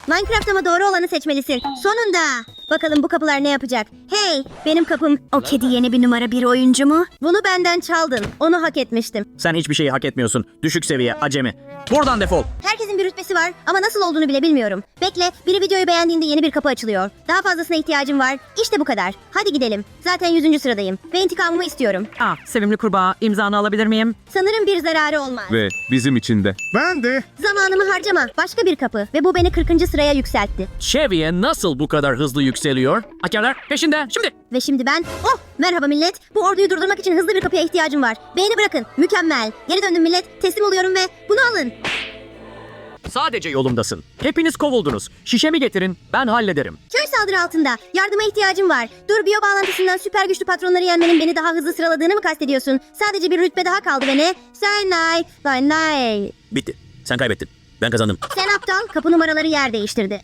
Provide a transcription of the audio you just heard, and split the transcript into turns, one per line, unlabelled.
Minecraft ama doğru olanı seçmelisin. Sonunda. Bakalım bu kapılar ne yapacak? Hey, benim kapım. O kedi yeni bir numara bir oyuncu mu? Bunu benden çaldın. Onu hak etmiştim.
Sen hiçbir şeyi hak etmiyorsun. Düşük seviye, acemi. Buradan defol.
Herkesin bir rütbesi var ama nasıl olduğunu bile bilmiyorum. Bekle, biri videoyu beğendiğinde yeni bir kapı açılıyor. Daha fazlasına ihtiyacım var. İşte bu kadar. Hadi gidelim. Zaten 100. sıradayım. Ve intikamımı istiyorum.
Sevimli kurbağa, imzanı alabilir miyim?
Sanırım bir zararı olmaz.
Ve bizim için de.
Ben de.
Zamanımı harcama. Başka bir kapı. Ve bu beni 40. sıraya yükseltti.
Seviye nasıl bu kadar hızlı yükseliyor? Hakerler peşinde. Şimdi.
Ve şimdi ben... Oh! Merhaba millet. Bu orduyu durdurmak için hızlı bir kapıya ihtiyacım var. Beğeni bırakın. Mükemmel. Geri döndüm millet. Teslim oluyorum ve bunu alın.
Sadece yolumdasın. Hepiniz kovuldunuz. Şişemi getirin, ben hallederim.
Köy saldırı altında. Yardıma ihtiyacım var. Dur, biyo bağlantısından süper güçlü patronları yenmenin beni daha hızlı sıraladığını mı kastediyorsun? Sadece bir rütbe daha kaldı ve ne? Sen
Bitti. Sen kaybettin. Ben kazandım.
aptal. Kapı numaraları yer değiştirdi.